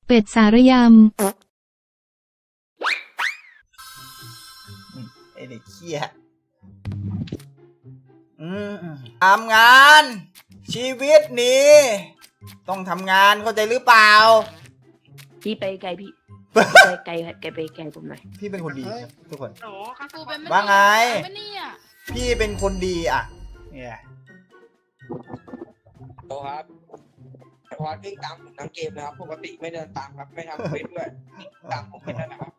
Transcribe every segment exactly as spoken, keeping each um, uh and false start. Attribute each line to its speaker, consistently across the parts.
Speaker 1: เป็ดสารยำ
Speaker 2: ไอเด็กเขี้ยอืมทำงาน ชีวิตนี้ต้องทำงานเข้าใจหรือเปล่า
Speaker 3: พี่ไปไกลพี่ ไปไกลไกลไปไกลผมหน่อย
Speaker 2: พี่เป็นคนดีครับทุกคน
Speaker 4: โอ้คาฟูเป็น
Speaker 2: ว่าไง
Speaker 4: ไม่เนี่ย
Speaker 2: พี่เป็นคนดีอ่ะเนี่ย
Speaker 5: โอ้ครับพอวิ่งตามผมทั้งเกมนะครับปกติไม่เดินตามครับไม่ทำเควสด้วยตามผมแค่นั้นนะครับ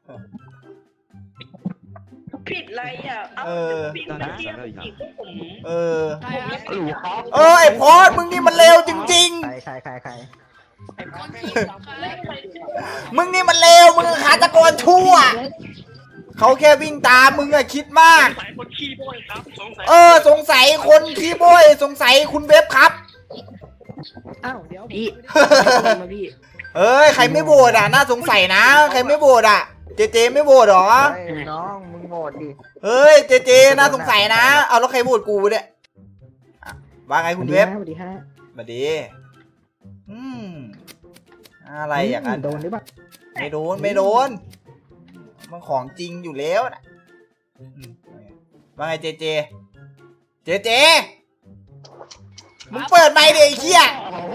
Speaker 3: ผิดอะไรอ่ะ
Speaker 2: เออ
Speaker 3: ผิดอะไรเทียบอีกพวกผม
Speaker 2: เออ
Speaker 4: ใครครับ
Speaker 3: หลูครับ
Speaker 2: เออไอพอดมึงนี่มันเลวจริง
Speaker 6: ใครใครใครใคร
Speaker 5: ไอ้พอดไม่
Speaker 2: ๆ มึงนี่มันเลวมึงขาตะกรชั่วเขาแค่วิ่งตามมึงอะคิดมาก
Speaker 3: สายคนขี้โบยครับสงสัย
Speaker 2: เออสงสัยคนขี้โบยสงสัยคุณเว็บครับ
Speaker 6: อ้าวเดี๋ยว
Speaker 3: พี่มาพี่
Speaker 2: เอ้ยใครไม่โหวตอ่ะน่าสงสัยนะใครไม่โหวตอ่ะเจเจไม่โหวตหรอ
Speaker 6: เฮ้ยน้องมึงโหดดิ
Speaker 2: เฮ้ยเจเจน่าสงสัยนะเอาแล้วใครโหวตกูเนี่ยอ่ะว่าไงคุณเว็บ
Speaker 6: สวัสดีฮะ
Speaker 2: มาดีอืมอะไรอย่างนั้น
Speaker 6: โดนหรือเปล่า
Speaker 2: ไม่โดนไม่โดนมันของจริงอยู่แล้วนะอืมว่าไงเจเจเจเจมึงเปิดไมค์ดิไอ้เหี้ย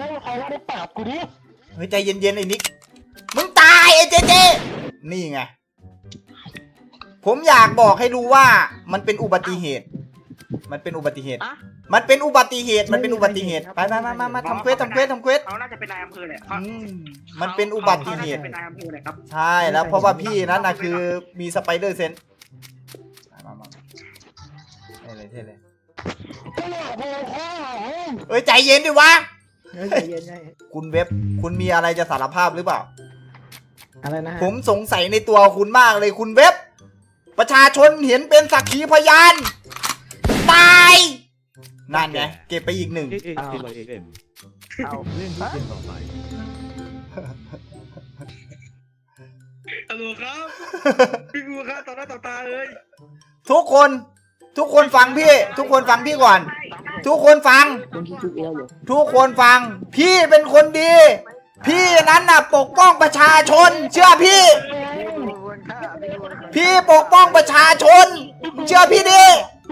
Speaker 2: เฮ้ยใจเย็นๆไอ้นิกมึงตายไอ้เจเจนี่ไงผมอยากบอกให้รู้ว่ามันเป็นอุบัติเหตุ มันเป็นอุบัติเหตุ มันเป็นอุบัติเหตุ มันเป็นอุบัติเหตุไปมามามามาทำเควสทำเควสทำเควส
Speaker 3: เขาน่าจะเป็นนายอำเภอแหละ
Speaker 2: อืมมันเป็นอุบัติเหตุ
Speaker 3: เป็นนายอำเภอแหละครับ
Speaker 2: ใช่แล้วเพราะว่าพี่นั้นนะคือมีสไปเดอร์เซนส์มามาเท่เลยเท่เลยเอ้ยใจเย็นดิวะ
Speaker 6: เฮ้ยใจเย็นใจเย็น
Speaker 2: คุณเว็บคุณมีอะไรจะสารภาพหรือเปล่า
Speaker 6: อะไรนะฮะ
Speaker 2: ผมสงสัยในตัวคุณมากเลยคุณเว็บ ประชาชนเห็นเป็นสักขีพยาน ตายนั่นไงเก็บไปอีกหนึ่ง
Speaker 7: เอ็กเอ็กเอ็มเอ็ม
Speaker 6: เอา
Speaker 7: เล่นที่เกมต่อไป
Speaker 3: ฮัลโหลครับพี่กูครับต่อหน้าต่อตาเลย
Speaker 2: ทุกคนทุกคนฟังพี่ ทุกคนฟังพี่ก่อน ทุกคนฟัง
Speaker 3: คนที่ชุบเอวอยู่
Speaker 2: ทุกคนฟัง พี่เป็นคนดี พี่นั้นน่ะปกป้องประชาชน เชื่อพี่
Speaker 6: วนฆ่าไม่วนฆ่า
Speaker 2: พี่ปกป้องประชาชน เชื่อพี่ดิ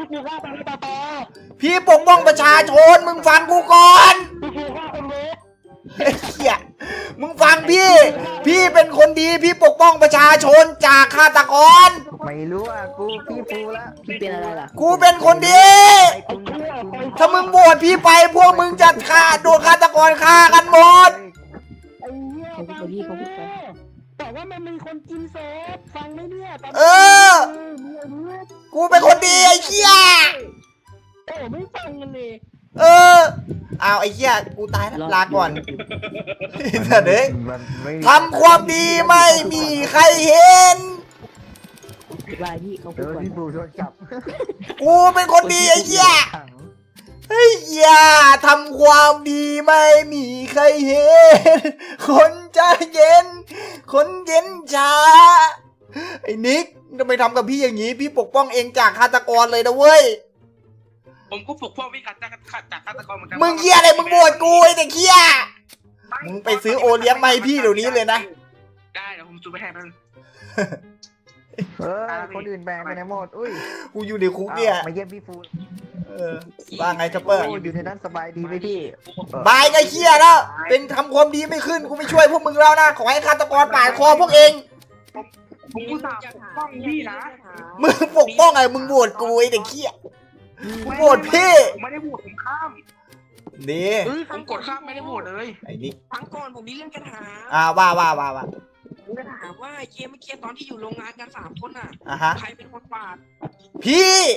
Speaker 2: พี่ปกป้องประชาชน มึงฟังกูก่อนเฮ้ยเหี้ยมึงฟังพี่ พี่เป็นคนดี พี่ปกป้องประชาชนจากฆาตกร
Speaker 6: ไม่รู้อ่ะกูพี่ฟูแล้ว
Speaker 3: พี่เป็นอะไรล่ะ
Speaker 2: กูเป็นคนดี
Speaker 6: ไอ้คุณคุณ
Speaker 2: ถ้ามึงโหวตพี่ไปพวกมึงจะฆ่าโดนฆาตกรฆ่ากันหมด
Speaker 3: เขาพูดไปพี่เขาพูดไป
Speaker 6: แต่ว่ามันมีคนกินศพฟังไหมเนี่ย
Speaker 2: เออ กูเป็นคนดีไอ้เหี้ย
Speaker 6: โอ้ไม่ฟังกันเลย
Speaker 2: เออเอาไอ้เหี้ยกูตายแล้วลาก่อนเถิดเด้ยทำความดีไม่มีใครเห็น
Speaker 3: ลายพี่เขาพู
Speaker 6: เดี๋
Speaker 3: ด
Speaker 6: ยว
Speaker 3: ก่อน
Speaker 6: พี่ฟูโดนจับ
Speaker 2: กูเป็นคนดีไอ้เหี้ย
Speaker 6: ขัง
Speaker 2: เฮ้ยอย่าทำความดีไม่มีใครเห็น คนใจเย็น คนเย็นช้าไอ้นิกทำไมทำกับพี่อย่างนี้ พี่ปกป้องเองจากฆาตกรเลยนะเว้ย
Speaker 4: ผมก็ปกป้องพี่ขัดจากขัดจากฆาตกรเหมือนกัน
Speaker 2: มึงเหี้ยอะไรมึงโหวตกูไอ้เด็กเหี้ยมึงไปซื้อโอเลี้ยงมาให้พี่เดี๋ยวนี้เลยนะ
Speaker 4: ได้เดี๋ยวผมซูไปให้มัน
Speaker 6: เออคนอื่นแบงไปไหนหมดอุ้ย
Speaker 2: กูอยู่ในคุกเนี่ย
Speaker 6: มาเยี่ยมพี่ฟู
Speaker 2: เออว่าไงช็อปเปอร์
Speaker 6: โอ้อยู่ในนั้นสบายดีไหมพี่
Speaker 2: บายก็เหี้ยแล้ว เป็นทำความดีไม่ขึ้น กูไม่ช่วยพวกมึงแล้วนะ ขอให้ฆาตกรปาดคอพวกเอง
Speaker 4: ผมกูสาบปกป้องพี่นะ
Speaker 2: มึงปกป้องไงมึงโหวตกูไอ้เด็กเหี้ยกูโหวตพี่
Speaker 4: ผมไม่ได้โหวตผมข้าม
Speaker 2: ดี
Speaker 4: ผมกดข้ามไม่ได้โหวตเลย
Speaker 2: ไอ้นี่
Speaker 5: ครั้งก่อนผมมีเรื่องจะถาม
Speaker 2: อ่าว่าว่าว่าว่า
Speaker 5: ผมจะถามว่าเกมเมื่อกี้ตอนที่อยู่โรงงานกันสามคนน่ะ
Speaker 2: อ่ะฮะ
Speaker 5: ใครเป็นคนปาด
Speaker 2: พี่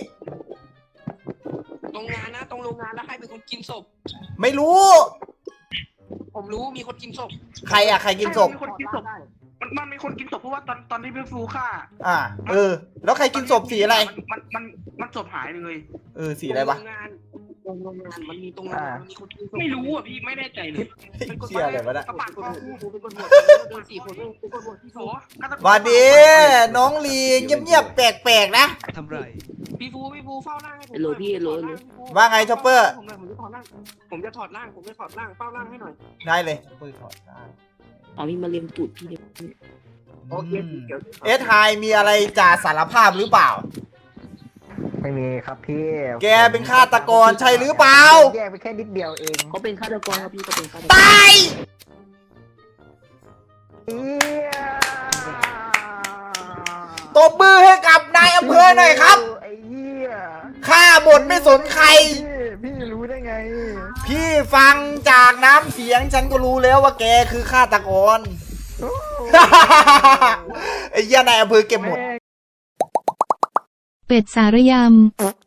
Speaker 5: โรงงานนะตรงโรงงานแล้วใครเป็นคนกินศพ
Speaker 2: ไม่รู้
Speaker 5: ผมรู้มีคนกินศพ
Speaker 2: ใครอะใครกินศพ
Speaker 4: มีคนกินศพมันมันมีคนกินศพเพราะว่าตอนตอนที่พี่ฟูฆ่า
Speaker 2: อ่า เออ แล้วใครกินศพสีอะไร
Speaker 4: มันมันมันศพหายเลย
Speaker 2: เออ สีอะไรวะ
Speaker 5: โรงงานตรงโรงงานมันมีตรงโรงงานมันมีคนกินศพ
Speaker 4: ไม่รู้อ่ะพี่ไม่แน่ใจเลย
Speaker 2: เหี้ยอะไรวะเนี่ย
Speaker 4: กระปาดคอกู
Speaker 5: กูเป็นคนโหวตโดนสี่คนกูเป็นคนโหวตพี่
Speaker 4: โถ
Speaker 5: ฟู
Speaker 4: ฆาตกร
Speaker 2: หวันดี น้องลีเงียบๆแปลกๆนะ
Speaker 7: ทำไร
Speaker 5: พี่ฟูพี่ฟูเฝ้าร่างให้ผม
Speaker 3: โหลพี่โหลโหล
Speaker 2: ว่าไงช็อปเปอร์
Speaker 5: ผมหน่อยผมจะถอดร่างผมจะถอดร่างผมจะถอดร่างเฝ้าร่างให้หน่อย
Speaker 2: ได้เลยปืนถอดได้
Speaker 1: อ๋อมีมาเลียมตูดพี่เลย
Speaker 5: โอเคสีเขียว
Speaker 2: เอสไฮมีอะไรจะสารภาพหรือเปล่า
Speaker 6: ไม่มีครับพี่
Speaker 2: แกเป็นฆาตกรใช่หรือเปล่า
Speaker 6: แยกไปแค่นิดเดียวเอง
Speaker 1: เขาเป็นฆาตกรครับพี่เขาเป็นฆาตกร
Speaker 2: ตาย
Speaker 6: เอี้ย
Speaker 2: ตบมือให้กับนายอำเภอหน่อยครับ
Speaker 6: ไอ้เหี้ย
Speaker 2: ฆ่าหมดไม่สนใคร
Speaker 6: พี่พี่รู้ได้ไง
Speaker 2: พี่ฟังจากน้ำเสียงฉันก็รู้แล้วว่าแกคือฆาตกร
Speaker 6: โอ้
Speaker 2: ไอ้เหี้ยนายอำเภอเก็บหมด
Speaker 6: แม่ง
Speaker 8: เป็ดสารยำ